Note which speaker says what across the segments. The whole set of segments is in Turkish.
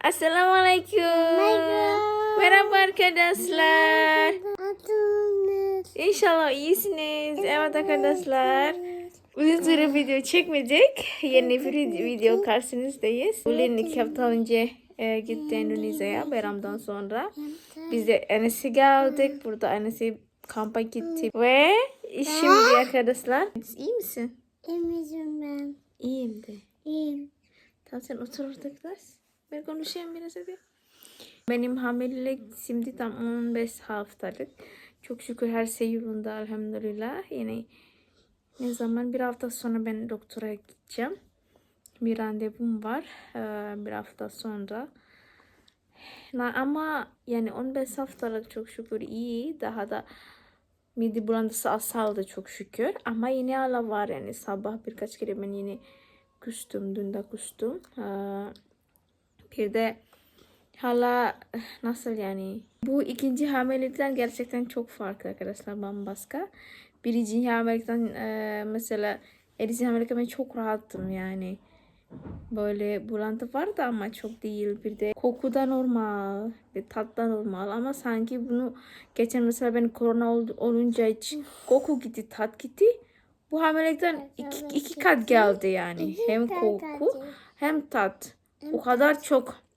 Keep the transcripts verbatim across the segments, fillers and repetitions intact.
Speaker 1: Assalamualaikum. Merhaba arkadaşlar. İnşallah iyisiniz. Evet arkadaşlar. Uzun süre video çekmeyecek. Yeni bir video karşınızdayız. Ulen iki hafta önce e, gitti Endonezya'ya bayramdan sonra. Biz de Enes'i geldik. Burada Enes'i kampa gitti. Ve şimdi arkadaşlar. İyi misin?
Speaker 2: İyiyim ben.
Speaker 1: İyiyim de.
Speaker 2: İyiyim.
Speaker 1: Tamam sen otur orada biraz. Ben konuşayım biraz hadi. Benim hamilelik şimdi tam on beş haftalık. Çok şükür her şey yolunda elhamdülillah. Yani ne zaman bir hafta sonra ben doktora gideceğim. Bir randevum var ee, bir hafta sonra. Ama yani on beş haftalık çok şükür iyi. Daha da mide bulantısı azaldı çok şükür. Ama yine hala var yani sabah birkaç kere ben yine kustum. Dün de kustum. Ee, bir de hala nasıl yani bu ikinci hamilelikten gerçekten çok farklı arkadaşlar, bambaşka. Birinci hamilelikten e, mesela ikinci hamilelikten ben çok rahattım yani. Böyle bulantı vardı ama çok değil. Bir de koku da normal, bir tat da normal ama sanki bunu geçen mesela ben korona ol, olunca hiç koku gitti, tat gitti. Bu hamilelikten iki, iki kat geldi yani. Hem koku hem tat. O kadar çok.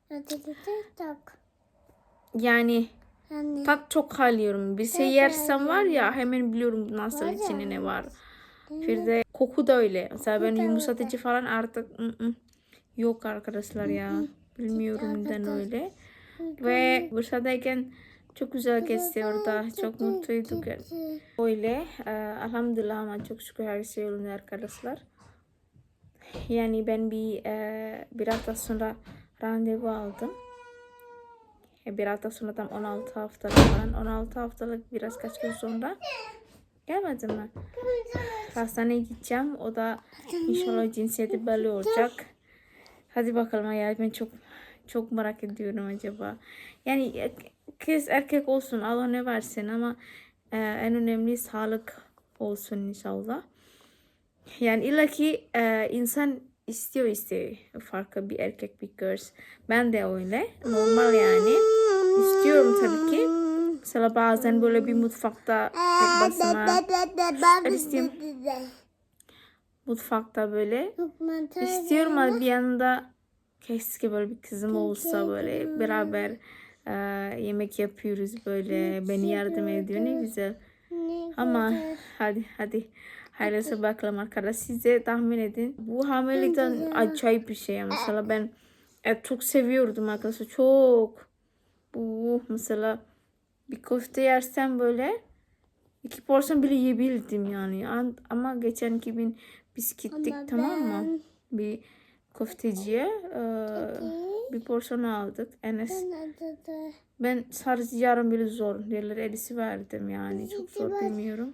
Speaker 1: Yani tat çok alıyorum. Bir şey yersem var ya hemen biliyorum nasıl içinde ne var. Bir de koku da öyle. Mesela ben yumuşatıcı falan artık ı -ı. yok arkadaşlar ya. Bilmiyorum neden öyle. Ve Bursa'dayken çok güzel geçti orada. Çok mutluyduk. Öyle. Elhamdülillah ama çok şükür her şey yolunda arkadaşlar. Yani ben bir bir hafta sonra randevu aldım. Bir hafta sonra tam on altı haftalık falan. on altı haftalık biraz kaç gün sonra. Gelmedim mi? Hastaneye gideceğim. O da inşallah cinsiyeti belli olacak. Hadi bakalım ya, ben çok çok merak ediyorum acaba. Yani kız erkek olsun Allah ne versin ama e, en önemli sağlık olsun inşallah. Yani illa ki e, insan istiyor istiyor farklı bir erkek bir kız. Ben de öyle. Normal yani. İstiyorum tabii ki. Mesela bazen böyle bir mutfakta tek başıma istiyorum. Mutfakta böyle istiyorum ama bir yanında keşke böyle bir kızım olsa, böyle beraber e, yemek yapıyoruz böyle, beni yardım ediyor, ne güzel. Ama hadi hadi hayırlısı bakalım arkadaşlar, size tahmin edin. Bu hamilelikten acayip bir şey. Mesela ben et çok seviyordum arkadaşlar, çok. Bu mesela bir köfte yersem böyle iki porsiyon bile yiyebildim yani. Ama geçen iki bin biz gittik, tamam mı? Bir köfteciye e, bir porsiyon aldık. Enes. Ben sadece yarım bile zor. Diğerleri elisi verdim yani. Çok zor, bilmiyorum.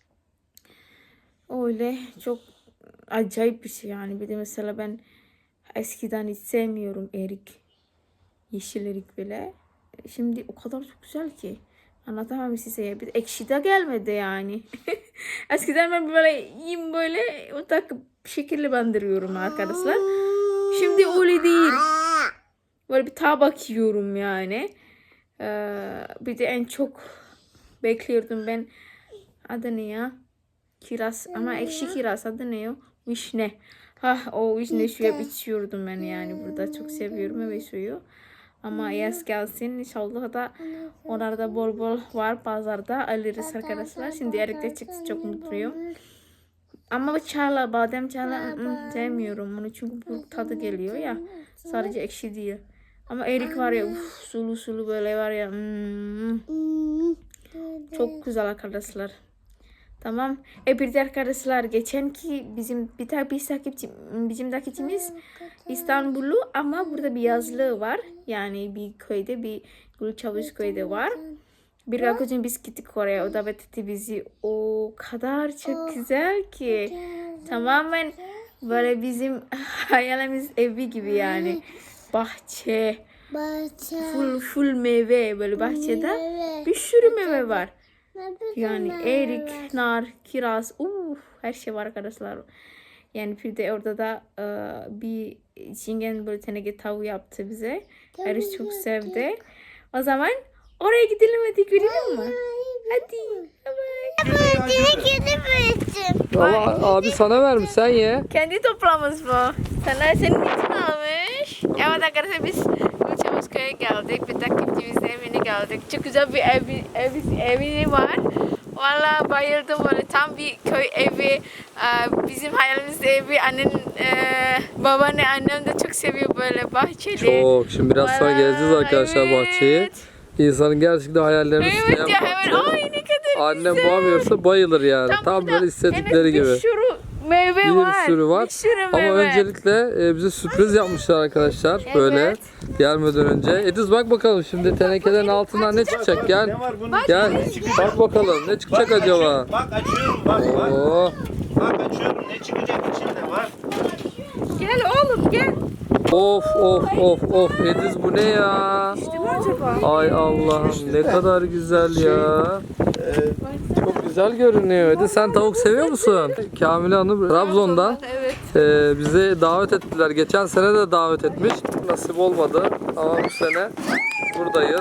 Speaker 1: Öyle çok acayip bir şey yani. Bir de mesela ben eskiden hiç sevmiyorum erik. Yeşil erik bile. Şimdi o kadar çok güzel ki. Anlatamam size. Bir ekşi de gelmedi yani. Eskiden ben böyle yiyeyim böyle o tak şekilli bandırıyorum arkadaşlar. Şimdi öyle değil. Böyle bir tabak yiyorum yani. Ee, bir de en çok bekliyordum ben. Adı ne ya? Kiraz ama ekşi kiraz, adı ne o? Vişne. Ha, o vişne suyu hep içiyordum ben yani burada. Çok seviyorum meyve suyu. Ama yaz gelsin inşallah da onlarda bol bol var, pazarda alırız arkadaşlar. Şimdi erikte çıktı, çok mutluyum. Ama çayla, badem çayla ı-ı, sevmiyorum onu çünkü bu tadı geliyor ya. Sadece ekşi değil. Ama erik var ya, uf, sulu sulu böyle var ya. Hmm. Çok güzel arkadaşlar. Tamam. E bir de arkadaşlar geçen ki bizim bir tane bir takipçi, bizim takipçimiz İstanbullu ama burada bir yazlığı var. Yani bir köyde, bir Gülçavuş köyde var. Bir arkadaşım biz gittik oraya. O davet etti bizi. O kadar çok güzel ki. Tamamen böyle bizim hayalimiz evi gibi yani. Bahçe.
Speaker 2: Bahçe.
Speaker 1: Full full meyve böyle bahçede. Bir sürü meyve var. Yani erik, nar, kiraz, uh, her şey var arkadaşlar. Yani bir de orada da e, bir çingen böyle teneke tavuğu yaptı bize. Eriş çok sevdi. O zaman oraya gidelim hadi görelim mi? Hadi. Bye bye.
Speaker 2: Kedi büyüttüm.
Speaker 3: Ama abi sana vermiş, sen ye.
Speaker 1: Kendi toplamış bu. Sana senin için almış. Evet arkadaşlar biz Gülçavuzköy'e geldik. Bir takipçimizin evine geldik. Çok güzel bir evi, evi, evi var. Valla bayıldım böyle tam bir köy evi. Ee, Bizim hayalimizde evi. Annen, e, babaanne, annem de çok seviyor böyle bahçeli.
Speaker 3: Çok. Şimdi biraz sonra
Speaker 1: Valla,
Speaker 3: gezeceğiz arkadaşlar
Speaker 1: evet.
Speaker 3: bahçeyi. İnsanın gerçekten hayallerini
Speaker 1: Evet
Speaker 3: isteyen
Speaker 1: ya hemen ay ne kadar
Speaker 3: annem
Speaker 1: güzel.
Speaker 3: bulamıyorsa bayılır yani. Tam,
Speaker 1: burada
Speaker 3: böyle istedikleri
Speaker 1: henüz
Speaker 3: gibi.
Speaker 1: Bir sürü meyve
Speaker 3: Bir
Speaker 1: var.
Speaker 3: sürü var.
Speaker 1: Bir sürü
Speaker 3: Ama
Speaker 1: meyve.
Speaker 3: öncelikle e, bize sürpriz yapmışlar arkadaşlar.
Speaker 1: Evet.
Speaker 3: Böyle gelmeden önce. Ediz bak bakalım şimdi tenekelerin altından ne çıkacak? Gel.
Speaker 4: Ne var bunun?
Speaker 3: Gel. Bak bakalım ne çıkacak
Speaker 4: Bak,
Speaker 3: acaba?
Speaker 4: açıyorum, Bak açıyorum bak bak.
Speaker 3: Oo.
Speaker 4: Bak açıyorum ne çıkacak içinde var.
Speaker 1: Gel oğlum gel.
Speaker 3: Of of of of Ediz bu ne ya?
Speaker 1: İşte mi acaba?
Speaker 3: Ay Allah'ım ne kadar güzel ya. Çok güzel görünüyor. Ediz sen tavuk seviyor musun? Kamile Hanım Trabzon'dan
Speaker 1: Evet.
Speaker 3: e, bize davet ettiler. Geçen sene de davet etmiş. Nasip olmadı ama bu sene buradayız.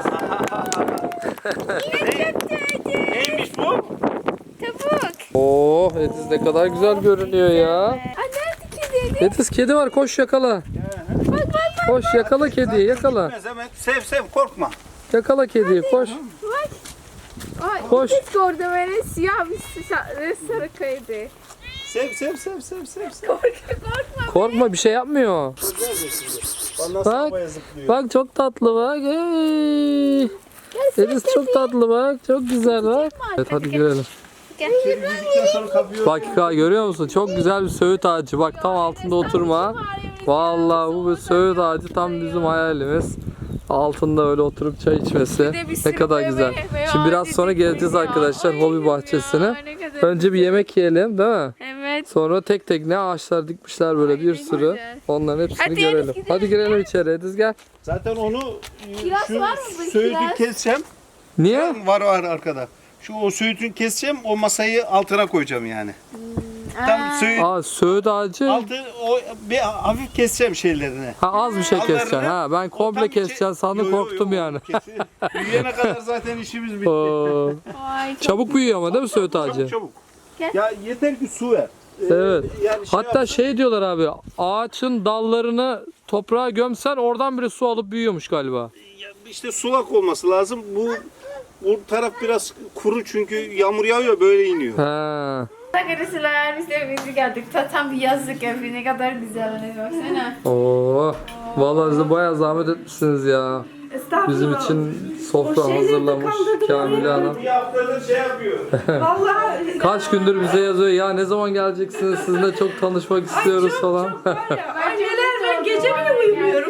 Speaker 4: Neymiş bu?
Speaker 1: Tavuk.
Speaker 3: Oo Ediz ne kadar güzel görünüyor ya.
Speaker 1: Aa, nerede kedi?
Speaker 3: Ediz kedi var, koş yakala. Koş yakala kediyi, yakala.
Speaker 4: Gitmez hemen. Sev sev korkma.
Speaker 3: Yakala kediyi, koş.
Speaker 1: Bak. Ay,
Speaker 3: Koş.
Speaker 1: Hiç gördüm öyle siyah bir sa- sarı kedi.
Speaker 4: Sev sev sev sev sev sev.
Speaker 1: Korkma korkma.
Speaker 3: Korkma, bir şey yapmıyor.
Speaker 4: Vallahi
Speaker 3: Bak,
Speaker 4: havaya zıplıyor.
Speaker 3: bak çok tatlı bak. Hey. Ediz çok tatlı bak, çok güzel bak. Evet hadi girelim.
Speaker 4: Yüzükten sonra kapıyor.
Speaker 3: Bak görüyor musun? Çok güzel bir söğüt ağacı. Bak tam altında oturma. Vallahi bu bir söğüt ağacı tam bizim hayalimiz. Altında öyle oturup çay içmesi
Speaker 1: de bir
Speaker 3: ne
Speaker 1: sürü
Speaker 3: kadar
Speaker 1: meyve-
Speaker 3: güzel.
Speaker 1: meyve
Speaker 3: Şimdi biraz
Speaker 1: ağacı
Speaker 3: sonra geleceğiz
Speaker 1: dikmiş ya.
Speaker 3: arkadaşlar
Speaker 1: Ay,
Speaker 3: hobi
Speaker 1: ya,
Speaker 3: bahçesine.
Speaker 1: ne kadar
Speaker 3: Önce bir yemek yiyelim değil mi?
Speaker 1: Evet.
Speaker 3: Sonra tek tek ne ağaçlar dikmişler böyle bir
Speaker 1: ne
Speaker 3: sürü.
Speaker 1: güzel.
Speaker 3: Onların hepsini
Speaker 1: Hadi
Speaker 3: görelim.
Speaker 1: Ediz, gidelim.
Speaker 3: Hadi girelim içeri Ediz gel.
Speaker 4: Zaten onu e,
Speaker 1: Kiraz
Speaker 4: şu
Speaker 1: var mı bu
Speaker 4: söğütü
Speaker 1: kiraz?
Speaker 4: keseceğim.
Speaker 3: Niye?
Speaker 4: Var var arkada. Şu o söğütünü keseceğim. O masayı altına koyacağım yani. Tam söğüt
Speaker 3: Aa söğüt ağacı.
Speaker 4: altı o bir hafif keseceğim şeylerini.
Speaker 3: Ha az bir şey
Speaker 4: Dallarını-
Speaker 3: keseceksin ha. Ben
Speaker 4: O
Speaker 3: komple
Speaker 4: tam içe-
Speaker 3: keseceğim sandım,
Speaker 4: Yo, yo, yo,
Speaker 3: korktum yani.
Speaker 4: kesin. Büyüyene kadar zaten işimiz bitti.
Speaker 3: Oo.
Speaker 1: Ay, çok
Speaker 3: Çabuk büyüyor ama değil mi söğüt ağacı?
Speaker 4: Çabuk çabuk.
Speaker 1: Gel.
Speaker 4: Ya yeter ki su ver. Ee,
Speaker 3: Evet.
Speaker 4: Yani şey
Speaker 3: Hatta
Speaker 4: yap-
Speaker 3: şey diyorlar abi, ağaçın dallarını toprağa gömsen oradan bile su alıp büyüyormuş galiba.
Speaker 4: ya işte sulak olması lazım. Bu bu taraf biraz kuru çünkü yağmur yağıyor böyle iniyor.
Speaker 3: Ha.
Speaker 1: Arkadaşlar biz de evimize geldik. Ta- Tam bir yazlık evi ne kadar güzel hani baksana.
Speaker 3: Oo. Vallahi bize bayağı zahmet etmişsiniz ya. Bizim için sofra hazırlamış Kamile Hanım.
Speaker 4: Bir haftadır şey yapıyor.
Speaker 3: Kaç gündür bize yazıyor ya, ne zaman geleceksiniz, sizinle çok tanışmak istiyoruz falan.
Speaker 5: Anneler ben gece bile uyumuyorum.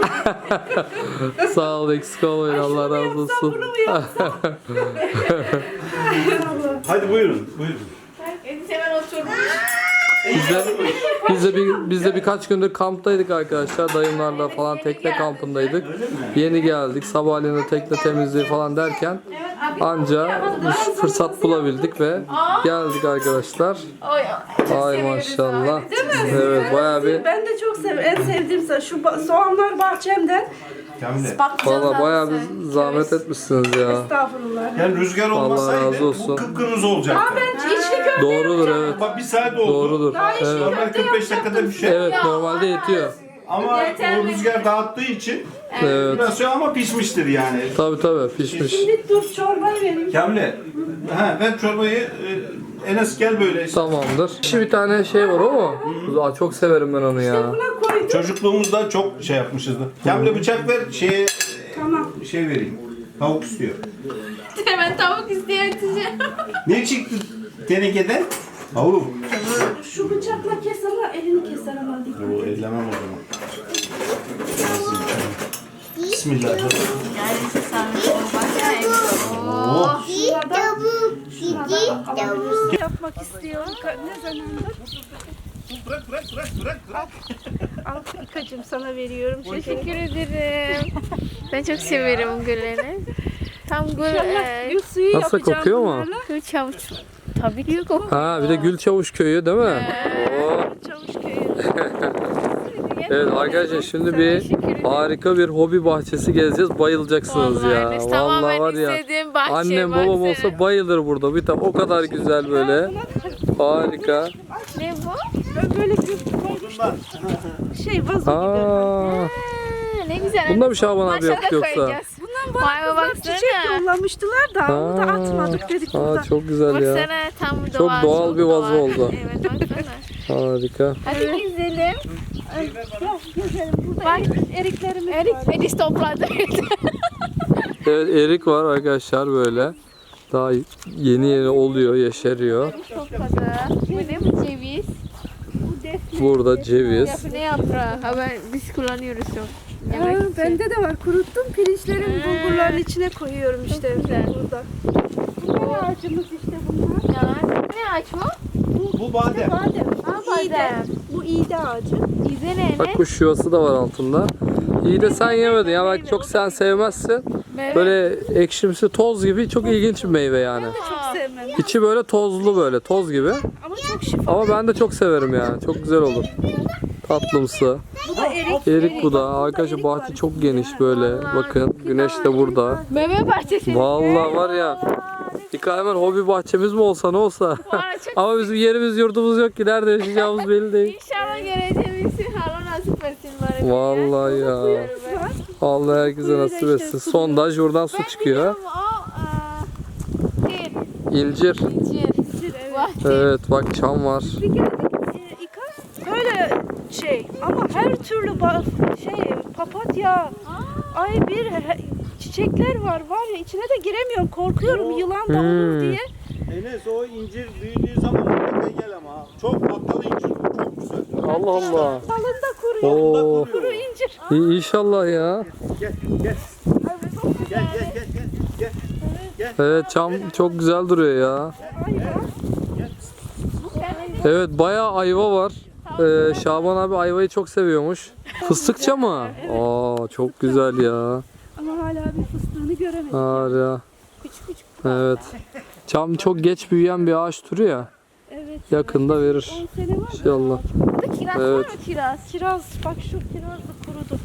Speaker 3: Sağ ol, eksik olmayın, Allah razı olsun.
Speaker 4: Hadi buyurun, buyurun.
Speaker 1: Edis hemen oturmuş.
Speaker 3: Biz de, biz de, bir, biz de birkaç gündür kamptaydık arkadaşlar. Dayımlarla falan tekne kampındaydık. Yeni geldik. Sabahleyin de tekne temizliği falan derken anca biz fırsat bulabildik ve geldik arkadaşlar.
Speaker 1: Oy, çok
Speaker 3: Ay
Speaker 1: seviyoruz
Speaker 3: maşallah.
Speaker 1: abi.
Speaker 3: Evet bayağı bir,
Speaker 5: Ben de çok seviyorum. En sevdiğim sa- şu ba- soğanlar bahçemden.
Speaker 4: Kamile.
Speaker 3: valla bayağı bir zahmet etmişsiniz ya.
Speaker 5: Estağfurullah.
Speaker 4: Yani rüzgar
Speaker 3: Allah
Speaker 4: olmasaydı
Speaker 3: razı olsun.
Speaker 4: bu kıpkırmızı olacaktı.
Speaker 5: Ben içli köfte
Speaker 3: Doğrudur evet.
Speaker 4: Bak bir saat oldu.
Speaker 3: Doğrudur. Evet.
Speaker 4: Normal kırk beş dakikada bir şey.
Speaker 3: Evet normalde yetiyor.
Speaker 4: Ama o rüzgar dağıttığı için
Speaker 3: Evet.
Speaker 4: biraz şey ama pişmiştir yani.
Speaker 3: Tabi tabi pişmiş.
Speaker 5: bir dur çorbayı vereyim.
Speaker 4: Kamile, ha, ben çorbayı e, Enes gel böyle.
Speaker 3: Tamamdır. Şimdi bir tane şey var o mu? Aa, çok severim ben onu ya.
Speaker 5: Buna koydum.
Speaker 4: Çocukluğumuzda çok şey yapmışızdır. Kamile bıçak ver şeye
Speaker 5: Tamam.
Speaker 4: şey vereyim. Tavuk istiyor.
Speaker 1: Hemen tavuk isteyeceğim.
Speaker 4: Ne çıktı tenekeden? Tavuk.
Speaker 5: Şu bıçakla kes ama elini keser ama dikkat.
Speaker 4: Bu ellemem o zaman. Bismillahirrahmanirrahim.
Speaker 1: Yani siz sanırım baksana Edis.
Speaker 4: Oh.
Speaker 2: Tavuk, gidi, tavuk.
Speaker 5: Yapmak istiyorum. Ka- Ne zamandır?
Speaker 4: Bırak bırak bırak bırak bırak.
Speaker 5: Al İkacığım sana veriyorum.
Speaker 1: Teşekkür ederim. Ben çok severim gülleri. Tam gül, e,
Speaker 5: Gül suyu
Speaker 3: Nasıl
Speaker 5: yapacağım
Speaker 3: kokuyor mu?
Speaker 5: bunlarla.
Speaker 1: gül çavuş. Tabii diyor kokuyor.
Speaker 3: Ha bir de Gülçavuş köyü değil mi? Oo.
Speaker 5: Çavuş köyü.
Speaker 3: Evet arkadaşlar şimdi bir harika bir hobi bahçesi gezeceğiz. Bayılacaksınız ya.
Speaker 1: Vallahi,
Speaker 3: Vallahi
Speaker 1: tamamen
Speaker 3: var ya.
Speaker 1: istediğim bahçe,
Speaker 3: Annem babam
Speaker 1: baksana.
Speaker 3: olsa bayılır burada. Bir tane o kadar güzel böyle. Harika.
Speaker 1: Ne bu?
Speaker 5: Ben böyle bir şey vazo gibi.
Speaker 3: Aa,
Speaker 1: Ha, ne güzel.
Speaker 3: bunda bir Şaban abi
Speaker 1: Maşa
Speaker 3: yok
Speaker 1: da
Speaker 3: yoksa.
Speaker 1: koyacağız. Vay be baksana.
Speaker 5: Çiçek yollamıştılar da onu da
Speaker 3: Aa,
Speaker 5: atmadık dedik burada.
Speaker 3: aa, çok güzel ya.
Speaker 1: Baksana tam
Speaker 3: Çok
Speaker 1: doğal.
Speaker 3: doğal bir vazo
Speaker 1: doğal.
Speaker 3: oldu.
Speaker 1: Evet baksana.
Speaker 3: Harika.
Speaker 1: Hadi gezelim.
Speaker 5: Gel gezelim. Burada
Speaker 1: Bak.
Speaker 5: erik, eriklerimiz
Speaker 1: Erik,
Speaker 5: var.
Speaker 1: Erik topladı.
Speaker 3: Evet erik var arkadaşlar böyle. Daha yeni yeni oluyor, yeşeriyor.
Speaker 1: Topladı. Bu ne bu ceviz?
Speaker 5: Bu defne.
Speaker 3: Burada ceviz.
Speaker 1: Yapı ne yaprağı? Ha ben biz kullanıyoruz çok.
Speaker 5: Aa,
Speaker 1: Yemek için.
Speaker 5: bende de var. Kuruttum. Pirinçlerin
Speaker 1: Ha.
Speaker 5: bulgurların içine koyuyorum işte.
Speaker 1: güzel.
Speaker 5: Burada. Bu ağacımız işte bunlar.
Speaker 1: Ya, ne ağaç bu?
Speaker 4: Bu badem.
Speaker 5: Badem.
Speaker 1: Ha,
Speaker 5: İğde.
Speaker 1: badem.
Speaker 5: Bu iğde ağacı.
Speaker 1: İze ne?
Speaker 3: Bak kuş yuvası da var altında. İyi de sen yemedin ya bak çok sen sevmezsin. Böyle ekşimsi toz gibi çok ilginç bir meyve yani.
Speaker 5: Çok sevmem.
Speaker 3: İçi böyle tozlu böyle toz gibi.
Speaker 5: Ama çok şifa.
Speaker 3: Ama ben de çok severim yani. Çok güzel olur. Tatlımsı.
Speaker 5: Bu da erik.
Speaker 3: Erik bu da. Arkadaşlar bahçe çok geniş böyle. Bakın güneş de burada.
Speaker 1: Meyve bahçesi.
Speaker 3: Vallahi var ya. Dikkat hemen hobi bahçemiz mi olsa ne olsa.
Speaker 1: Vay, çok-
Speaker 3: Ama bizim yerimiz yurdumuz yok ki. Nerede yaşayacağımız belli değil.
Speaker 1: İnşallah geleceğimiz Allah nasip etsin bari.
Speaker 3: Vallahi ya. Allah herkese nasip etsin. Sondaj buradan su çıkıyor. İncir. Evet bak çam var.
Speaker 5: Bir geldik e, İka, böyle şey ama her türlü ba- şey papatya, ay bir he- çiçekler var var ya içine de giremiyorum korkuyorum yılan da olur
Speaker 3: Hmm.
Speaker 5: diye.
Speaker 4: Enes o incir büyüdüğü zaman mutlaka gel ama. Çok patlalı incir bu. Çok güzel.
Speaker 3: Allah Allah.
Speaker 5: Dalında kuruyor.
Speaker 3: Oo.
Speaker 5: Kuru incir.
Speaker 3: İyi, İnşallah ya.
Speaker 4: Gel gel. Gel gel gel gel. Gel.
Speaker 3: Evet çam çok güzel duruyor ya. Evet bayağı ayva var. Ee, Şaban abi ayvayı çok seviyormuş. Fıstıkça mı? Aa çok güzel ya.
Speaker 5: Ama hala bir fıstığını göremedim.
Speaker 3: Harika.
Speaker 5: Küçük küçük.
Speaker 3: Evet. Çam çok geç büyüyen bir ağaç türü ya.
Speaker 5: Evet.
Speaker 3: Yakında verir.
Speaker 5: on sene var.
Speaker 3: İnşallah.
Speaker 1: Kiraz
Speaker 3: Evet.
Speaker 1: var mı kiraz?
Speaker 5: Kiraz bak şu kiraz da kurudu.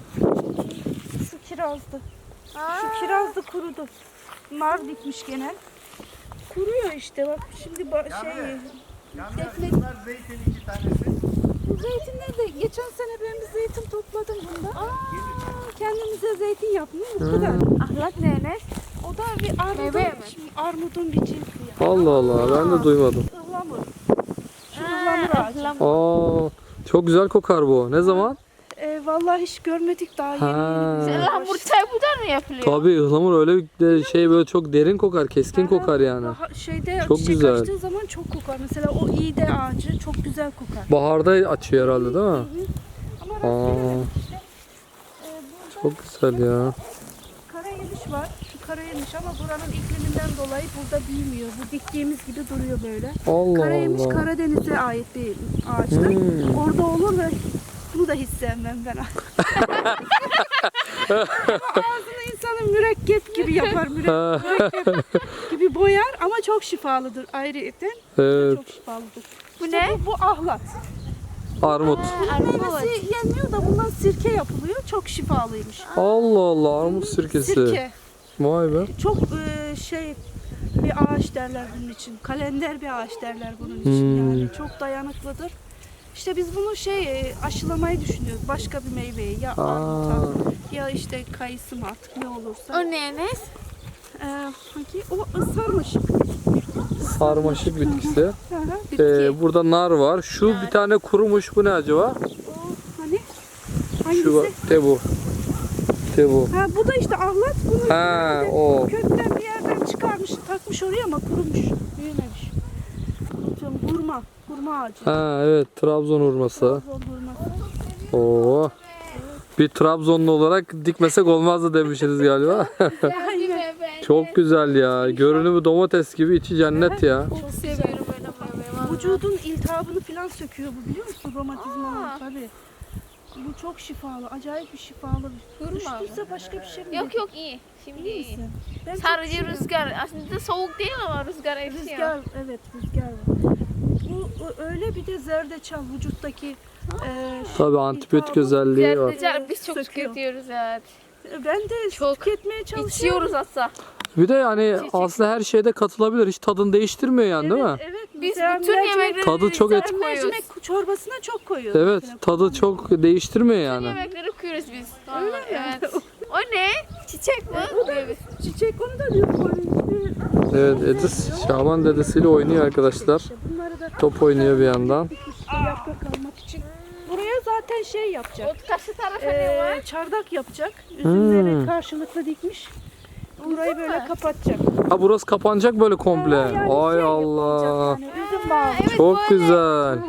Speaker 5: Şu kirazdı. Şu kiraz da kurudu. Nar dikmiş gene. Kuruyor işte bak şimdi ba- şey defne.
Speaker 4: Bunlar zeytin iki tanesi.
Speaker 5: Bu zeytinler de geçen sene ben bir zeytin topladım bunda. Aa, kendimize zeytin yapmıyor bu kadar.
Speaker 1: Ahlat ne ne?
Speaker 5: O da bir armudun,
Speaker 1: Meyve mi?
Speaker 5: şimdi armudun bir cinsi ya.
Speaker 3: Allah Allah ben de duymadım.
Speaker 5: Ihlamur. Şu ıhlamur ağacı.
Speaker 3: Aa çok güzel kokar bu. Ne zaman?
Speaker 5: Ee, vallahi hiç görmedik daha yeni.
Speaker 3: Ha.
Speaker 5: yeni.
Speaker 1: Hamur çay buradan mı yapılıyor?
Speaker 3: Tabii ıhlamur öyle bir de şey böyle çok derin kokar, keskin kokar yani.
Speaker 5: Daha şeyde
Speaker 3: Çok
Speaker 5: çiçek
Speaker 3: güzel.
Speaker 5: açtığı zaman çok kokar. Mesela o iğde ağacı çok güzel kokar.
Speaker 3: Baharda açıyor herhalde değil mi?
Speaker 5: Ama
Speaker 3: Aa,
Speaker 5: rastgele işte. Ee, burada
Speaker 3: çok güzel ya.
Speaker 5: karayemiş var. Şu karayemiş ama buranın ikliminden dolayı burada büyümüyor. Bu diktiğimiz gibi duruyor böyle.
Speaker 3: Allah
Speaker 5: Karayemiş
Speaker 3: Allah.
Speaker 5: Karadeniz'e ait bir ağaçtır.
Speaker 3: Hmm.
Speaker 5: Orada olur ve bunu da hiç sevmem ben. Ağzını insanın mürekkep gibi yapar. Müre- mürekkep gibi boyar ama çok şifalıdır ayrıyeten.
Speaker 3: Evet.
Speaker 5: Çok şifalıdır.
Speaker 1: Bu
Speaker 5: İşte
Speaker 1: ne?
Speaker 5: Bu, bu ahlat.
Speaker 3: Armut.
Speaker 5: Meyvesi yenmiyor da bundan sirke yapılıyor. Çok şifalıymış.
Speaker 3: Allah Allah armut sirkesi.
Speaker 5: Sirke.
Speaker 3: Vay be.
Speaker 5: Çok e, şey bir ağaç derler bunun için. Kalender bir ağaç derler bunun için.
Speaker 3: Hmm.
Speaker 5: Yani çok dayanıklıdır. İşte biz bunu şey e, aşılamayı düşünüyoruz. Başka bir meyveyi ya
Speaker 3: Aa.
Speaker 5: armuta ya işte kayısı mı artık ne olursa.
Speaker 1: O ne ne?
Speaker 5: Ee, hangi? O sarmaşık.
Speaker 3: Sarmaşık bitkisi.
Speaker 5: Hı hı.
Speaker 3: Ee, burada nar var. Şu bir tane kurumuş bu ne acaba?
Speaker 5: O hani? Hangisi?
Speaker 3: Şu de bu. De bu.
Speaker 5: Ha bu da işte ahlat. Bunu
Speaker 3: Ha o.
Speaker 5: kökten bir yerden çıkarmış, takmış oraya ama kurumuş, büyümemiş. Unutuyorum, hurma, hurma ağacı.
Speaker 3: Ha evet Trabzon hurması.
Speaker 5: Trabzon hurması.
Speaker 3: Oo. Bir Trabzonlu olarak dikmesek olmazdı demişsiniz galiba. Çok güzel ya. Görünümü domates gibi içi cennet ya.
Speaker 1: Çok seviyorum böyle meyve.
Speaker 5: Vücudun iltihabını falan söküyor bu biliyor musun?
Speaker 1: Aa.
Speaker 5: Romatizmalar tabii. Bu çok şifalı, acayip bir şifalı.
Speaker 1: Hurma
Speaker 5: Üşütürse başka bir şey mi?
Speaker 1: Yok yok iyi. Şimdi
Speaker 5: İyi
Speaker 1: iyi.
Speaker 5: misin? Ben çok
Speaker 1: Sadece
Speaker 5: üşüyorum.
Speaker 1: rüzgar. Aslında soğuk değil ama rüzgar esiyor.
Speaker 5: Rüzgar, evet rüzgar var. Bu o- öyle bir de zerdeçal vücuttaki e,
Speaker 3: Tabii antibiyotik
Speaker 5: iltihabı-
Speaker 3: özelliği var.
Speaker 1: Zerdeçal biz çok
Speaker 5: Söküyor.
Speaker 1: tüketiyoruz evet.
Speaker 5: Ben de
Speaker 1: Çok
Speaker 5: tüketmeye çalışıyorum.
Speaker 1: İçiyoruz hatta.
Speaker 3: Bir de yani aslında her şeyde katılabilir. Hiç tadını değiştirmiyor yani değil mi?
Speaker 5: Evet, evet.
Speaker 1: Biz
Speaker 5: Mesela
Speaker 1: bütün
Speaker 5: mercimek-
Speaker 1: yemekleri
Speaker 3: Tadı çok et-
Speaker 1: koyuyoruz.
Speaker 5: mercimek çorbasına çok koyuyoruz.
Speaker 3: Evet,
Speaker 5: mesela.
Speaker 3: tadı çok değiştirmiyor yani.
Speaker 1: Yemekleri koyuyoruz biz. Öyle evet. O ne? Çiçek mi? Evet.
Speaker 5: Çiçek onu da diyor.
Speaker 3: Evet, Edis Şaban dedesiyle oynuyor arkadaşlar.
Speaker 5: Bunları da
Speaker 3: Top oynuyor bir yandan.
Speaker 5: işte yaprak almak için. Buraya zaten şey yapacak.
Speaker 1: O karşı tarafa ne var?
Speaker 5: Ee, çardak yapacak. Üzümleri
Speaker 3: Hmm.
Speaker 5: karşılıklı dikmiş. Burayı böyle kapatacak.
Speaker 3: Ha burası kapanacak böyle komple.
Speaker 5: Yani şey
Speaker 3: Ay
Speaker 5: yapılacak
Speaker 3: Allah.
Speaker 5: Yani üzüm bağı.
Speaker 3: Çok güzel.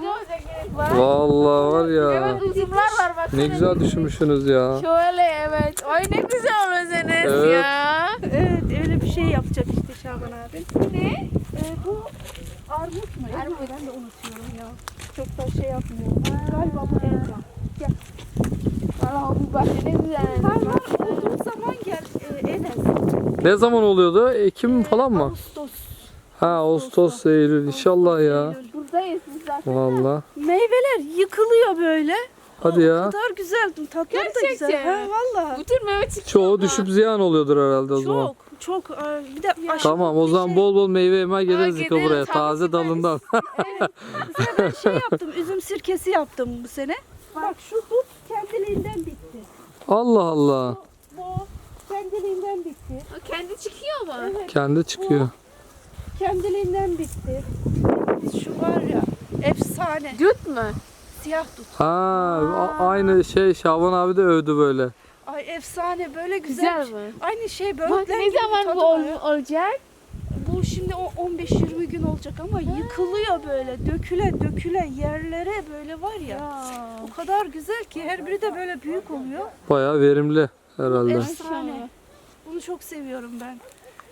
Speaker 3: Vallahi var ya.
Speaker 1: Evet uzunlar var bak.
Speaker 3: Ne güzel düşünmüşsünüz ya.
Speaker 1: Şöyle evet. Ay ne güzel olur Enes
Speaker 3: Evet.
Speaker 1: ya.
Speaker 5: Evet öyle bir şey yapacak işte Şaban abi.
Speaker 1: Ne?
Speaker 5: Ee, bu armut mu? Armut. Ben de unutuyorum ya. Çok da şey yapmıyorum. Galiba bu elma. Gel.
Speaker 1: Valla bu bahçe ne güzel.
Speaker 5: Hayvan olduğu zaman gel e, Enes.
Speaker 3: Ne zaman oluyordu? Ekim falan mı?
Speaker 5: Ağustos.
Speaker 3: Ha Ağustos, Eylül inşallah ya.
Speaker 1: Buradayız biz zaten.
Speaker 3: Vallahi.
Speaker 5: Meyveler yıkılıyor böyle.
Speaker 3: Hadi
Speaker 5: O
Speaker 3: ya.
Speaker 5: kadar güzel. Tatları da
Speaker 1: Gerçekten.
Speaker 5: güzel. Ha valla.
Speaker 1: Bütün meyve çıkıyor.
Speaker 3: Çoğu düşüp ziyan oluyordur herhalde o zaman.
Speaker 5: Çok çok. Ee, Bir de aşırı
Speaker 3: Tamam o
Speaker 5: bir
Speaker 3: zaman
Speaker 5: şey-
Speaker 3: bol bol meyve yemeye geliriz
Speaker 1: Aa,
Speaker 3: Yıka
Speaker 1: gideriz,
Speaker 3: buraya.
Speaker 1: tabii
Speaker 3: Taze
Speaker 1: ki
Speaker 3: dalından.
Speaker 5: Mesela ben şey yaptım. Üzüm sirkesi yaptım bu sene. Bak şu dut kendiliğinden bitti.
Speaker 3: Allah Allah.
Speaker 5: Bu kendiliğinden bitti.
Speaker 1: O kendi çıkıyor mu?
Speaker 5: Evet.
Speaker 3: Kendi çıkıyor.
Speaker 5: Kendiliğinden bitti. Şu var ya efsane.
Speaker 1: Dut mu?
Speaker 5: Siyah dut.
Speaker 3: Ha a- aynı şey Şaban abi de övdü böyle.
Speaker 5: Ay efsane böyle güzel.
Speaker 1: Güzel mi?
Speaker 5: Aynı şey
Speaker 1: Bak
Speaker 5: böğürtlen
Speaker 1: ne
Speaker 5: gibi
Speaker 1: zaman
Speaker 5: tadı
Speaker 1: bu
Speaker 5: var.
Speaker 1: ol- olacak?
Speaker 5: Bu şimdi o on beş yirmi gün olacak ama yıkılıyor böyle. Döküle döküle yerlere böyle var ya. O kadar güzel ki her biri de böyle büyük oluyor.
Speaker 3: Bayağı verimli herhalde.
Speaker 5: Efsane. Bunu çok seviyorum ben.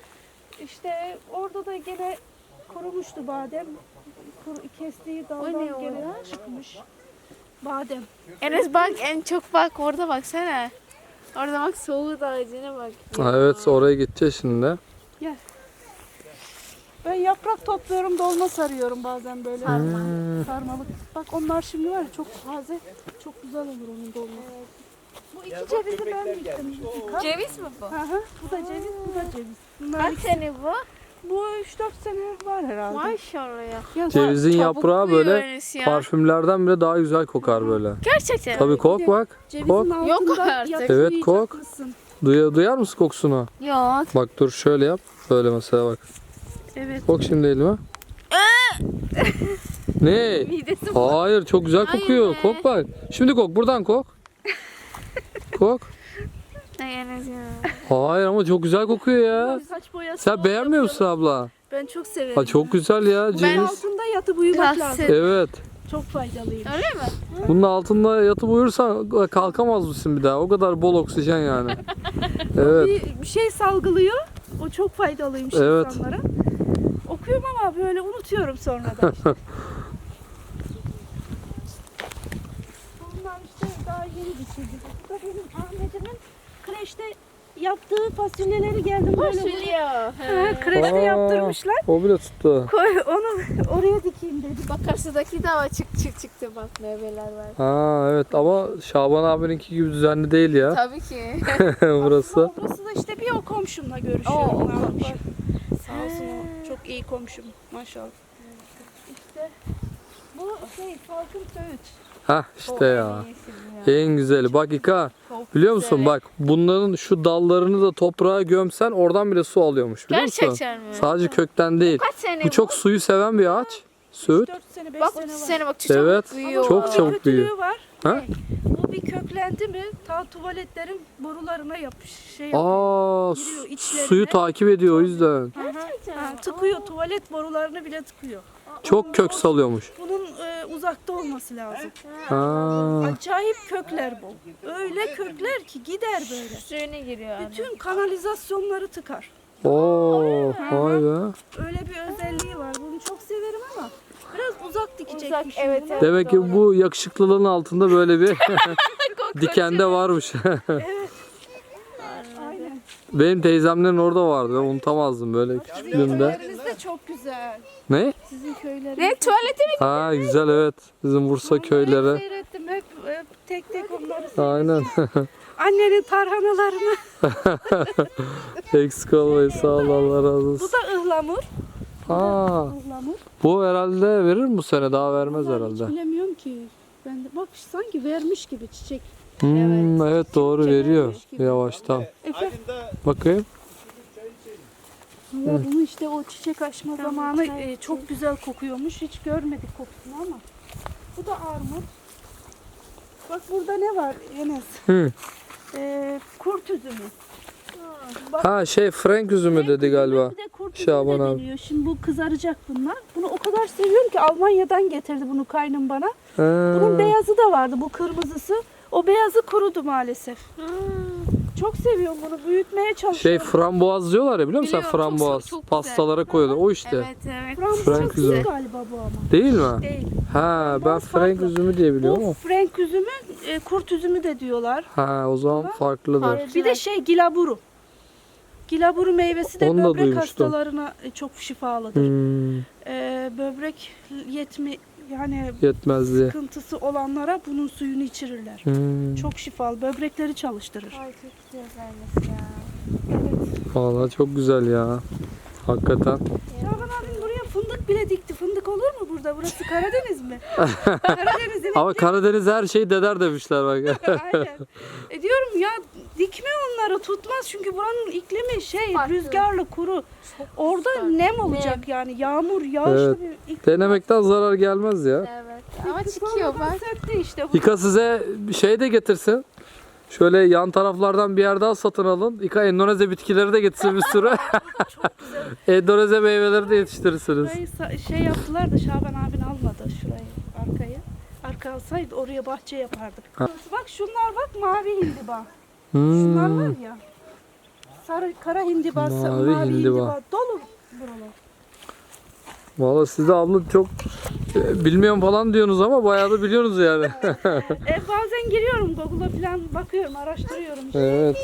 Speaker 5: İşte orada da gene kurumuştu badem. Kuru, kestiği
Speaker 1: O ne
Speaker 5: daldan gene
Speaker 1: orada?
Speaker 5: çıkmış. Badem.
Speaker 1: Enes bak en çok bak orada baksana. Orada bak soğuk ağacına bak.
Speaker 3: Ha, evet oraya gideceğiz şimdi.
Speaker 5: Ben yaprak topluyorum, dolma sarıyorum bazen böyle. Sarmalık. Bak onlar şimdi var ya çok taze, çok güzel olur onun dolması. Bu iki cevizi ben diktim. Dikkat.
Speaker 1: Ceviz mi bu?
Speaker 5: Hı hı. Bu da ceviz, bu da ceviz. Bunlar
Speaker 1: Kaç
Speaker 5: ikisi-
Speaker 1: sene bu?
Speaker 5: Bu üç dört sene var herhalde.
Speaker 1: Maşallah ya.
Speaker 5: Ya,
Speaker 3: Cevizin
Speaker 1: Çabuk
Speaker 3: yaprağı
Speaker 1: büyüyor
Speaker 3: böyle
Speaker 1: Enes ya.
Speaker 3: parfümlerden bile daha güzel kokar böyle.
Speaker 1: Gerçekten.
Speaker 3: Tabii kok bak.
Speaker 5: cevizin
Speaker 3: Kok.
Speaker 5: altında
Speaker 1: Yok artık.
Speaker 5: yatmayacak
Speaker 3: Evet, kok.
Speaker 5: mısın?
Speaker 3: Duya, duyar mısın kokusunu?
Speaker 1: Yok.
Speaker 3: Bak dur şöyle yap. Böyle mesela bak.
Speaker 5: Evet.
Speaker 3: Kok şimdi elime. Ne?
Speaker 1: Midesi
Speaker 3: Hayır çok güzel
Speaker 1: Hayır
Speaker 3: kokuyor.
Speaker 1: be.
Speaker 3: Kok bak. Şimdi kok buradan kok. Kok.
Speaker 1: Ay Enes ya.
Speaker 3: Hayır ama çok güzel kokuyor ya.
Speaker 5: Saç boyası
Speaker 3: Sen
Speaker 5: bol
Speaker 3: beğenmiyor musun
Speaker 5: yapıyorum.
Speaker 3: abla?
Speaker 5: Ben çok severim.
Speaker 3: Ha, çok güzel ya
Speaker 5: Bunun
Speaker 3: ceviz.
Speaker 5: altında yatıp uyumak
Speaker 1: Biraz
Speaker 5: lazım.
Speaker 1: sev-
Speaker 3: Evet.
Speaker 5: Çok faydalıyım.
Speaker 1: Öyle mi?
Speaker 3: Bunun altında yatıp uyursan kalkamaz mısın bir daha? O kadar bol oksijen yani. Evet.
Speaker 5: Bir, bir şey salgılıyor. O çok faydalıymış
Speaker 3: Evet.
Speaker 5: insanlara. Okuyorum ama böyle unutuyorum sonradan. Bunlar işte daha yeni bitirdik. Bu da benim Ahmet'imin kreşte yaptığı fasulyeleri geldim böyle.
Speaker 1: Fasulye.
Speaker 5: Ha, kreşte
Speaker 3: Aa.
Speaker 5: yaptırmışlar.
Speaker 3: O bile tuttu.
Speaker 5: Koy onu oraya dikeyim dedim.
Speaker 1: Bak karşıdaki de var çık çık çıktı bak meyveler var.
Speaker 3: Ha evet ama Şaban abininki gibi düzenli değil ya.
Speaker 1: Tabii ki.
Speaker 3: Burası.
Speaker 5: Ama burası da işte bir o komşumla görüşüyorum.
Speaker 1: Oo, o
Speaker 5: ne yapayım.
Speaker 1: komşu.
Speaker 5: Sağ olsun o. Çok iyi komşum maşallah. İşte bu şey Falcon Söğüt.
Speaker 3: Ha işte ya. En güzeli. Bak İka. Biliyor musun
Speaker 1: güzel.
Speaker 3: bak bunların şu dallarını da toprağa gömsen oradan bile su alıyormuş biliyor musun?
Speaker 1: Gerçekten mi?
Speaker 3: Sadece kökten değil.
Speaker 1: Kaç sene
Speaker 3: Bu çok suyu seven bir ağaç. Söğüt.
Speaker 5: dört sene beş
Speaker 1: Bak
Speaker 5: sene
Speaker 1: bu
Speaker 5: var.
Speaker 1: sene bak çocuk
Speaker 3: Evet.
Speaker 1: büyüyor.
Speaker 3: Çok
Speaker 5: Bir
Speaker 3: çabuk büyüyor.
Speaker 5: kötülüğü var.
Speaker 3: Ha?
Speaker 5: Bu bir köklendi mi ta tuvaletlerin borularına yapış şey yapıyor.
Speaker 3: Aa
Speaker 5: Giriyor
Speaker 3: su-
Speaker 5: içlerine.
Speaker 3: suyu takip ediyor o yüzden.
Speaker 5: Hı hı. Ha, tıkıyor tuvalet borularını bile tıkıyor.
Speaker 3: Çok kök salıyormuş.
Speaker 5: Bunun e, uzakta olması lazım.
Speaker 3: Ha.
Speaker 5: Acayip kökler bu. Öyle kökler ki gider böyle.
Speaker 1: Suyuna giriyor. abi.
Speaker 5: Bütün kanalizasyonları tıkar.
Speaker 3: Oo, vay be.
Speaker 5: Öyle bir özelliği var. Bunu çok severim ama biraz uzak dikecekmişim.
Speaker 1: Uzak, evet,
Speaker 5: bunu.
Speaker 1: evet.
Speaker 3: Demek ki bu yakışıklılığın altında böyle bir dikende varmış.
Speaker 5: Aynen.
Speaker 3: Benim teyzemlerin orada vardı. Ben unutamazdım böyle küçüklüğümde.
Speaker 5: Köyleriniz de çok güzel.
Speaker 3: Ne?
Speaker 5: Sizin köyleriniz.
Speaker 1: Ne tuvalete mi?
Speaker 3: Ha güzel evet. Bizim Bursa köyleri.
Speaker 5: Hep seyrettim. Hep, hep tek tek onları seyrettim.
Speaker 3: Aynen.
Speaker 5: Annenin tarhanalarını.
Speaker 3: Eksik olmayın sağ ol Allah razı
Speaker 5: Bu
Speaker 3: olsun.
Speaker 5: da ıhlamur.
Speaker 3: Ha,
Speaker 5: Ihlamur.
Speaker 3: bu herhalde verir mi bu sene? Daha vermez
Speaker 5: Vallahi
Speaker 3: herhalde.
Speaker 5: Hiç bilemiyorum ki. Ben de bak sanki vermiş gibi çiçek.
Speaker 3: Hmm, evet doğru
Speaker 5: Çiçek
Speaker 3: veriyor
Speaker 5: vermiş gibi.
Speaker 3: yavaştan.
Speaker 5: Efe,
Speaker 3: Bakayım.
Speaker 5: valla bunu işte o çiçek açma zamanı e, çok güzel kokuyormuş. Hiç görmedik kokusunu ama. Bu da armut. Bak burada ne var Enes?
Speaker 3: Hı.
Speaker 5: E, kurt üzümü.
Speaker 3: Ha şey Frank üzümü dedi galiba.
Speaker 5: Bir de kurt üzümü
Speaker 3: Şaban
Speaker 5: de
Speaker 3: abi.
Speaker 5: deniyor. Şimdi bu kızaracak bunlar. Bunu o kadar seviyorum ki Almanya'dan getirdi bunu kaynım bana. Bunun
Speaker 3: Ha,
Speaker 5: beyazı da vardı, bu kırmızısı. O beyazı kurudu maalesef. Çok seviyorum bunu, büyütmeye
Speaker 3: şey
Speaker 5: çalışıyorum.
Speaker 3: frambuaz diyorlar ya biliyor musun sen
Speaker 1: Biliyorum, çok-
Speaker 3: frambuaz?
Speaker 1: çok güzel.
Speaker 3: Pastalara koyuyorlar. O işte.
Speaker 1: Evet evet.
Speaker 5: Fransız
Speaker 3: Frank
Speaker 5: değil
Speaker 3: üzümü.
Speaker 5: galiba bu ama.
Speaker 3: Değil mi?
Speaker 5: Değil.
Speaker 3: Ha ben
Speaker 5: Frambuaz
Speaker 3: Frank
Speaker 5: farklı.
Speaker 3: üzümü diye biliyorum
Speaker 5: Bu
Speaker 3: ama.
Speaker 5: Frank üzümü, e, kurt üzümü de diyorlar.
Speaker 3: Ha o zaman farklıdır.
Speaker 5: E, bir de şey gilaburu. Gilaburu meyvesi de
Speaker 3: Onu da
Speaker 5: böbrek
Speaker 3: duymuştum.
Speaker 5: hastalarına e, çok şifalıdır.
Speaker 3: Hmm,
Speaker 5: E, böbrek yetmi yani
Speaker 3: yetmezdi.
Speaker 5: sıkıntısı olanlara bunun suyunu içirirler.
Speaker 3: Hmm,
Speaker 5: Çok şifalı, böbrekleri çalıştırır.
Speaker 1: Ay çok güzel vermiş ya.
Speaker 3: vallahi çok güzel ya. Hakikaten.
Speaker 5: Şaban abim buraya fındık bile dikti. Fındık olur mu burada? Burası Karadeniz mi? Karadeniz'in
Speaker 3: Ama Karadeniz her şeyi deder demişler bak.
Speaker 5: Aynen. E diyorum ya dikme onları tutmaz çünkü buranın iklimi şey
Speaker 1: Farklı.
Speaker 5: rüzgarlı kuru. Orada nem olacak yani yağmur yağışlı
Speaker 3: Evet.
Speaker 5: bir iklim.
Speaker 3: Denemekten zarar gelmez ya.
Speaker 1: Evet. Ama çıkıyor bak.
Speaker 5: Söktü işte bu.
Speaker 3: İka size bir şey de getirsin. Şöyle yan taraflardan bir yer daha satın alın. İka Endonezya bitkileri de getirsin bir sürü. Endonezya meyveleri de yetiştirirsiniz.
Speaker 5: Burayı sa- şey yaptılar da Şaban abin almadı şurayı arkayı. Arka alsaydı oraya bahçe yapardık.
Speaker 3: Ha.
Speaker 5: Bak şunlar bak mavi hindiba. Şunlar
Speaker 3: Hmm.
Speaker 5: var ya. Sarı kara hindiba,
Speaker 3: Mavi
Speaker 5: mavi, mavi
Speaker 3: hindiba.
Speaker 5: hindiba. Dolu buralar.
Speaker 3: Valla siz de abla çok e, bilmiyorum falan diyorsunuz ama bayağı da biliyorsunuz yani.
Speaker 5: E, bazen giriyorum Google'a falan bakıyorum, araştırıyorum işte.
Speaker 3: Evet.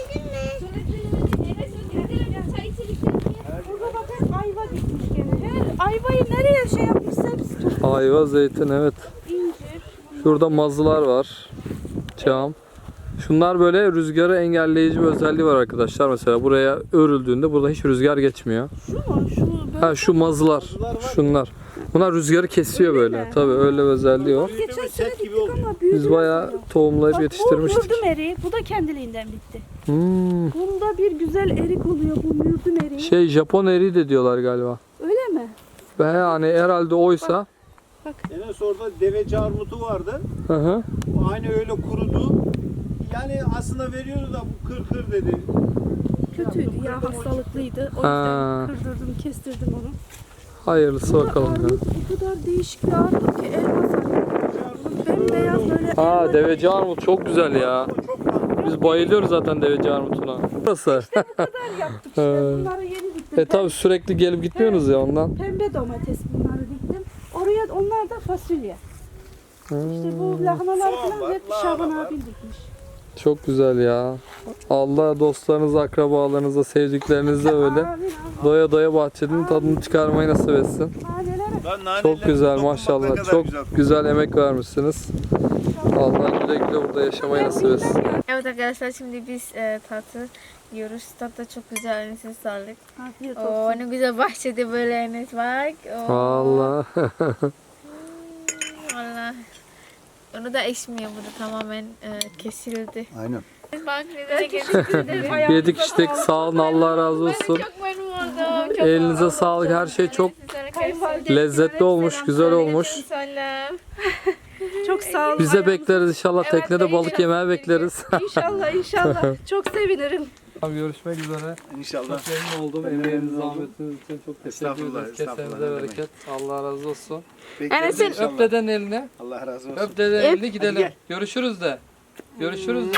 Speaker 5: Burada bak hep ayva dikmiş gene. Her ayvayı nereye şey yapmışsa hepsi toplu.
Speaker 3: Ayva, zeytin evet.
Speaker 5: İncir.
Speaker 3: Şurada mazılar var. Çam. Şunlar böyle rüzgarı engelleyici bir özelliği var arkadaşlar. Mesela buraya örüldüğünde burada hiç rüzgar geçmiyor.
Speaker 5: Şu mu? Şu böyle.
Speaker 3: Ha şu mazılar. Şunlar. Bunlar rüzgarı kesiyor böyle.
Speaker 5: mi?
Speaker 3: Tabii öyle bir özelliği var.
Speaker 5: Geçen sene
Speaker 4: set gibi
Speaker 5: diktik
Speaker 4: oluyor.
Speaker 5: ama büyüdü.
Speaker 3: Biz bayağı tohumlayıp
Speaker 5: Bak, bu
Speaker 3: yetiştirmiştik.
Speaker 5: mürdüm eriği. Bu da kendiliğinden bitti.
Speaker 3: Hmm.
Speaker 5: Bunda bir güzel erik oluyor bu mürdüm eriği.
Speaker 3: Şey Japon eriği de diyorlar galiba.
Speaker 5: Öyle mi?
Speaker 3: Ve yani herhalde oysa.
Speaker 4: Enes orada deveci armutu vardı.
Speaker 3: Hı hı.
Speaker 4: O aynı öyle kurudu. Yani aslında veriyordu da bu kır kır dedi.
Speaker 5: Kötüydü ya, hastalıklıydı. O
Speaker 3: Ha.
Speaker 5: yüzden kırdırdım, kestirdim onu.
Speaker 3: Hayırlısı
Speaker 5: Bu da
Speaker 3: bakalım ya.
Speaker 5: armut o kadar değişik bir armut ki elma sarı. Bembeyaz böyle
Speaker 3: Aa
Speaker 5: elma.
Speaker 3: deveci armut çok güzel ya.
Speaker 4: Çok tatlı.
Speaker 3: Biz bayılıyoruz zaten deveci armutuna. Burası.
Speaker 5: Bu kadar yaptık işte. Bunları yeni diktim.
Speaker 3: E tabi sürekli gelip gitmiyorsunuz ya ondan.
Speaker 5: Pembe domates bunları diktim. Oraya onlar da fasulye. İşte bu lahanalar
Speaker 4: Soğan
Speaker 5: falan
Speaker 4: var,
Speaker 5: hep
Speaker 4: lahana
Speaker 5: Şaban
Speaker 4: var.
Speaker 5: abim dikmiş.
Speaker 3: Çok güzel ya. Allah dostlarınıza, akrabalarınıza, sevdiklerinizle öyle
Speaker 5: Amin amin.
Speaker 3: doya doya bahçenin tadını çıkarmayı nasip etsin.
Speaker 5: Hanelere.
Speaker 4: Ben naneyle
Speaker 3: Çok güzel
Speaker 4: dokunmak ne
Speaker 3: maşallah.
Speaker 4: kadar
Speaker 3: Çok
Speaker 4: güzel.
Speaker 3: güzel emek vermişsiniz. Allah güle güle burada yaşamayı nasip etsin.
Speaker 1: Evet arkadaşlar şimdi biz e, tatlı yiyoruz. Tat da çok güzel. Enes'e sağlık.
Speaker 5: Afiyet
Speaker 1: Oo,
Speaker 5: olsun.
Speaker 1: ne güzel bahçede böyle Enes bak. Oo.
Speaker 3: Allah.
Speaker 1: Valla. Onu da ekşimiyor burada tamamen e, kesildi.
Speaker 4: Aynen.
Speaker 1: Bak ne de getirdi.
Speaker 3: Yedik içtik sağ olun Allah razı olsun.
Speaker 1: Çok memnun oldum. Çok
Speaker 3: Elinize
Speaker 1: oldum.
Speaker 3: sağlık, her şey çok
Speaker 1: Kayınvalide-
Speaker 3: lezzetli olmuş, güzel olmuş.
Speaker 1: Selam.
Speaker 5: Çok sağ olun.
Speaker 3: Biz de bekleriz inşallah.
Speaker 1: Evet,
Speaker 3: Teknede balık
Speaker 1: bekliyoruz.
Speaker 3: yemeye bekleriz.
Speaker 5: İnşallah inşallah. Çok sevinirim.
Speaker 3: Görüşmek üzere.
Speaker 4: İnşallah.
Speaker 3: Çok memnun oldum. Emeğiniz, zahmetiniz için çok teşekkür
Speaker 4: Estağfurullah,
Speaker 3: ederiz.
Speaker 4: estağfurullah,
Speaker 3: Kesenize
Speaker 4: ne demek.
Speaker 3: bereket. Allah razı olsun.
Speaker 4: Bekleriz
Speaker 1: Enes'in-
Speaker 4: inşallah.
Speaker 3: Öp deden elini.
Speaker 4: Allah razı olsun.
Speaker 3: Öp deden elini gidelim.
Speaker 4: gel.
Speaker 3: Görüşürüz de. Görüşürüz de.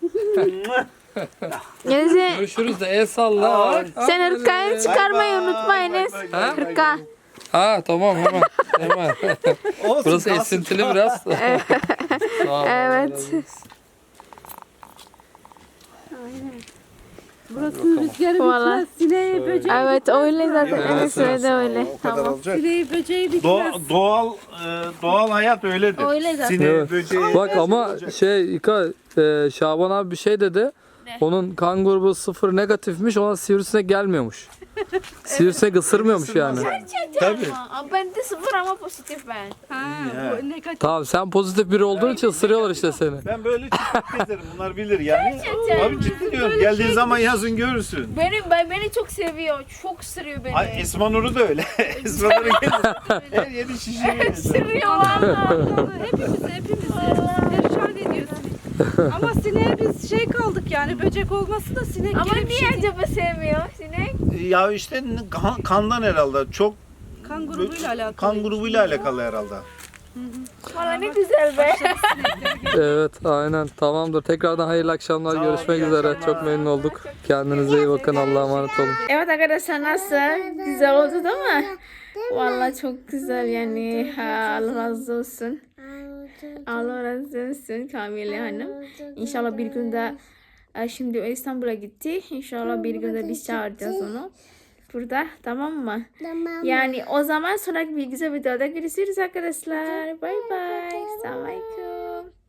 Speaker 1: Enes'e
Speaker 3: Görüşürüz de. El salla. Bak.
Speaker 1: sen hırkayı çıkarmayı unutma Enes.
Speaker 3: Ha?
Speaker 1: Hırka.
Speaker 3: Ha tamam hemen. Hemen.
Speaker 4: Olsun,
Speaker 3: Burası
Speaker 4: kalsın.
Speaker 3: esintili biraz. Sağ ol, Allah
Speaker 1: Evet.
Speaker 3: razı olsun.
Speaker 5: Burası rüzgarı
Speaker 1: Vallahi.
Speaker 5: bitmez. Sineği böceği
Speaker 1: Evet öyle zaten.
Speaker 3: Evet,
Speaker 1: Evet öyle öyle.
Speaker 4: O kadar
Speaker 1: Tamam.
Speaker 4: olacak.
Speaker 5: Sineği böceği bitmez.
Speaker 4: Doğa- doğal e, doğal hayat öyledir.
Speaker 1: Öyle zaten.
Speaker 4: Sineği,
Speaker 3: Evet.
Speaker 4: böceği.
Speaker 3: Bak ama şey İka, e, Şaban abi bir şey dedi. Onun kan grubu sıfır negatifmiş, ona sivrisinek gelmiyormuş. Sivrisinek ısırmıyormuş yani.
Speaker 4: Tabii.
Speaker 1: Ama ben de sıfır ama pozitif ben.
Speaker 5: Ha,
Speaker 4: Ya.
Speaker 5: bu negatif.
Speaker 3: Tamam, sen pozitif biri olduğun için ısırıyorlar işte seni.
Speaker 4: Ben böyle çıkıp gezerim. Bunlar bilir yani. Abi ciddi diyorum. Geldiğin zaman yazın görürsün.
Speaker 1: Benim ben beni çok seviyor. Çok sırıyor beni.
Speaker 4: Ay, Esma Nur'u da öyle. Esma Nur'u gelir. Her yedi şişiriyor.
Speaker 1: Sırıyor valla.
Speaker 5: Hepimizi hepimizi perişan ediyorsun. Ama sineğe biz şey kaldık yani böcek olması da sinek
Speaker 1: Ama
Speaker 5: gibi bir
Speaker 1: niye
Speaker 5: şey değil.
Speaker 1: acaba sevmiyor sinek?
Speaker 4: Ya işte kan- kandan herhalde. Çok
Speaker 5: Kan grubuyla alakalı.
Speaker 4: kan grubuyla alakalı herhalde.
Speaker 1: Valla ne güzel be.
Speaker 3: Evet, aynen, tamamdır. Tekrardan hayırlı akşamlar,
Speaker 4: Sağ ol,
Speaker 3: görüşmek
Speaker 4: iyi
Speaker 3: üzere.
Speaker 4: akşamlar.
Speaker 3: Çok memnun olduk. Kendinize iyi bakın, Allah'a emanet olun.
Speaker 1: Evet arkadaşlar nasıl? Güzel oldu değil mi? Valla çok güzel yani. Ha, Allah razı olsun. Allah razı olsun Kamile Hanım. İnşallah bir günde e, şimdi o İstanbul'a gitti. İnşallah bir günde biz çağıracağız onu. Burada tamam mı?
Speaker 2: Tamam.
Speaker 1: Yani o zaman sonraki bir güzel videoda görüşürüz arkadaşlar. Bay bay. Selamünaleyküm.